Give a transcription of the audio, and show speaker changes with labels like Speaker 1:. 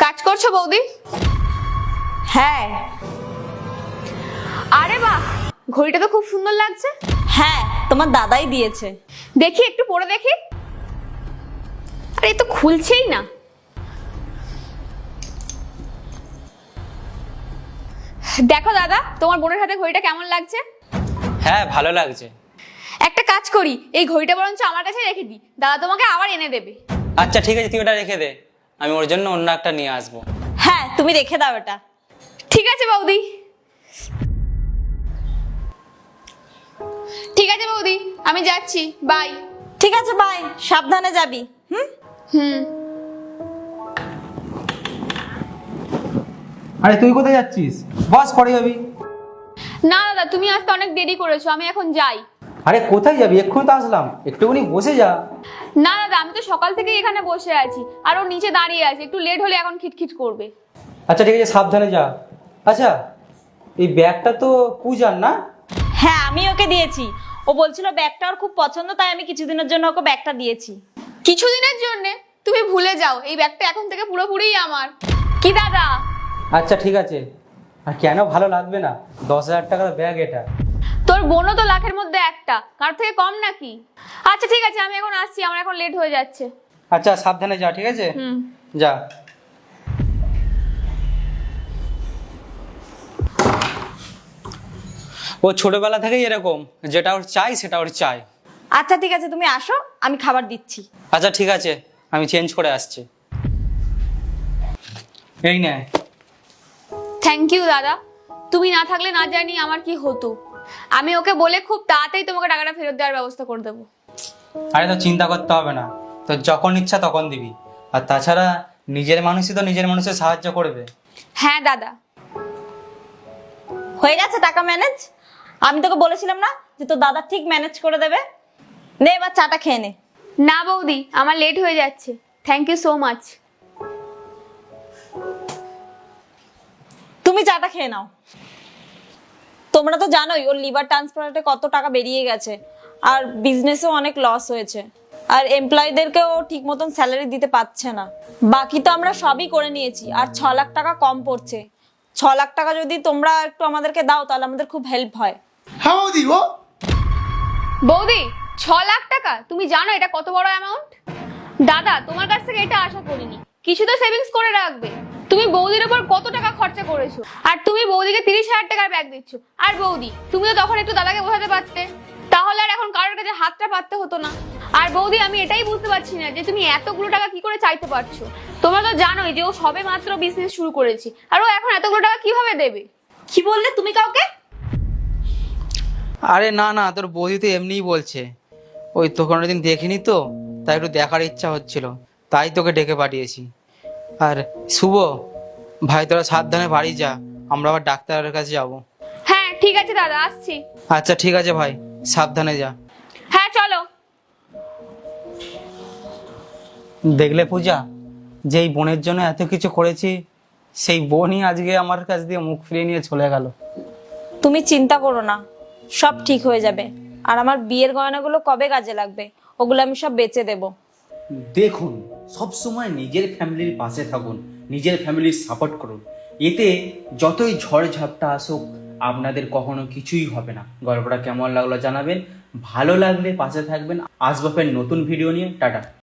Speaker 1: কাজ করছো বৌদি?
Speaker 2: হ্যাঁ।
Speaker 1: আরে বাহ, ঘড়িটা তো খুব সুন্দর লাগছে।
Speaker 2: হ্যাঁ, তোমার দাদাই দিয়েছে।
Speaker 1: দেখি একটু পরে দেখি। আরে এ তো খুলছেই না। দেখো দাদা, তোমার বোনের হাতে ঘড়িটা কেমন লাগছে?
Speaker 3: হ্যাঁ, ভালো লাগছে।
Speaker 1: একটা কাজ করি, এই ঘড়িটা বরঞ্চ আমার কাছে রেখে দিই, দাদা তোমাকে আবার এনে দেবে।
Speaker 3: আচ্ছা ঠিক আছে, তুই ওটা রেখে দে, আমি ওর জন্য অন্য একটা নিয়ে আসবো।
Speaker 2: হ্যাঁ, তুমি রেখে দাও এটা।
Speaker 1: ঠিক আছে বৌদি। ঠিক আছে বৌদি, আমি যাচ্ছি, বাই।
Speaker 2: ঠিক আছে, বাই, সাবধানে যাবি।
Speaker 1: হুম।
Speaker 4: আরে তুই কোথায় যাচ্ছিস? বস, পরে যাবি।
Speaker 1: না দাদা, তুমি আসতে অনেক দেরি করেছো, আমি এখন যাই।
Speaker 4: আরে কোথায় যাবি? এক্ষুনি তো আসলাম, একটুখানি বসে যা।
Speaker 1: না দাদা, আমি তো সকাল থেকেই এখানে বসে আছি, আর ও নিচে দাঁড়িয়ে আছে, একটু লেট হলে এখন খিটখিট করবে।
Speaker 4: আচ্ছা ঠিক আছে, সাবধানে যা। আচ্ছা, এই ব্যাগটা তো পূজার না?
Speaker 2: হ্যাঁ, আমি ওকে দিয়েছি। ও বলছিল ব্যাগটা ওর খুব পছন্দ, তাই আমি কিছুদিনের জন্য ওকে ব্যাগটা দিয়েছি।
Speaker 1: কিছুদিনের জন্য? তুমি ভুলে যাও, এই ব্যাগটা এখন থেকে পুরোপুরিই আমার। কি দাদা?
Speaker 4: আচ্ছা ঠিক আছে, আর কেন ভালো লাগবে না? 10,000 টাকার ব্যাগ এটা।
Speaker 1: তোর বোনও তো লাখের মধ্যে একটা, কার থেকে কম নাকি? আচ্ছা ঠিক আছে, আমি এখন আসছি, আমার এখন লেট হয়ে যাচ্ছে।
Speaker 4: আচ্ছা সাবধানে যা, ঠিক আছে?
Speaker 1: হুম।
Speaker 4: যা।
Speaker 3: ও ছোটবেলা থেকেই এরকম, যেটা ওর চাই সেটা ওর চাই।
Speaker 2: আচ্ছা ঠিক আছে, তুমি আসো, আমি খাবার দিচ্ছি।
Speaker 3: আচ্ছা ঠিক আছে, আমি চেঞ্জ করে আসছি।
Speaker 4: এই নে।
Speaker 1: থ্যাংক ইউ দাদা, তুমি না থাকলে না জানি আমার কি হতো। আমি ওকে বলে খুব তাড়াতাড়ি তোমাকে টাকাটা ফেরত দেওয়ার ব্যবস্থা করে দেবো।
Speaker 4: আরে তো চিন্তা করতে হবে না, তো যখন ইচ্ছা তখন দিবি। আর তাছাড়া নিজের মানুষই তো নিজের মানুষের সাহায্য করবে।
Speaker 1: হ্যাঁ দাদা।
Speaker 2: হয়ে গেছে টাকা ম্যানেজ। আমি তোকে বলেছিলাম না যে তোর দাদা ঠিক ম্যানেজ করে দেবে। নে এবার চাটা খেয়ে নে।
Speaker 1: না বৌদি, আমার লেট হয়ে যাচ্ছে, থ্যাংক ইউ সো মাচ।
Speaker 2: তুমি চাটা খেয়ে নাও। তোমরা তো জানোই ওর লিভার ট্রান্সপ্লান্টে কত টাকা বেরিয়ে গেছে, আর বিজনেসেও অনেক লস হয়েছে, আর এমপ্লয়ীদেরকেও ঠিক মতন স্যালারি দিতে পারছে না। বাকি তো আমরা সবই করে নিয়েছি, আর 6 লাখ টাকা কম পড়ছে। 6 লাখ টাকা যদি তোমরা একটু আমাদেরকে দাও তাহলে আমাদের খুব হেল্প হয়।
Speaker 5: হ্যাঁ বৌদি, ও
Speaker 1: বৌদি, 6 লাখ টাকা? তুমি জানো এটা কত বড় অ্যামাউন্ট? দাদা, তোমার কাছ থেকে এটা আশা করিনি। কিছু তো সেভিংস করে রাখবে। তুমি বৌদির উপর কত টাকা খরচা করেছো, আর তুমি বৌদিকে 30,000 টাকার ব্যাগ দিচ্ছ। আর বৌদি, তুমি তো তখন একটু দাদাকে বোঝাতে পারতে, তাহলে আর এখন কারোর কাছে হাতটা পাততে হতো না। আর বৌদি, আমি এটাই বুঝতে পারছি না যে তুমি এতগুলো টাকা কি করে চাইতে পারছো। তোমরা তো জানোই যে ও সবে মাত্র বিজনেস শুরু করেছে, আর ও এখন এতগুলো টাকা কিভাবে দেবে?
Speaker 2: কি বললে তুমি কাউকে?
Speaker 4: আরে না না, তোর বৌদি তো এমনিই বলছে। ওই তো কোনোদিন দেখিনি তো, তাই একটু দেখার ইচ্ছা হচ্ছিল, তাই তোকে ডেকে পাঠিয়েছি। আর শুভ ভাই, তোরা সাবধানে বাড়ি যা, আমরা আবার ডাক্তারের কাছে যাব।
Speaker 1: হ্যাঁ ঠিক আছে দাদা, আসছি।
Speaker 4: আচ্ছা ঠিক আছে ভাই, সাবধানে যা।
Speaker 1: হ্যাঁ চলো।
Speaker 4: দেখলে পূজা, যেই বোনের জন্য এত কিছু করেছি, সেই বোনই আজকে আমার কাছ দিয়ে মুখ ফিরিয়ে নিয়ে চলে গেল।
Speaker 2: তুমি চিন্তা করো না, সব ঠিক হয়ে যাবে। আর আমার বিয়ের গয়নাগুলো কবে কাজে লাগবে, ওগুলো আমি সব বেচে দেবো।
Speaker 6: দেখুন, সব সময় নিজের ফ্যামিলির পাশে থাকুন, নিজের ফ্যামিলির সাপোর্ট করুন। এতে যতই ঝড় ঝাপটা আসুক আপনাদের কখনো কিছুই হবে না। গল্পটা কেমন লাগলো জানাবেন, ভালো লাগলে পাশে থাকবেন। আসবাবের নতুন ভিডিও নিয়ে। টাটা।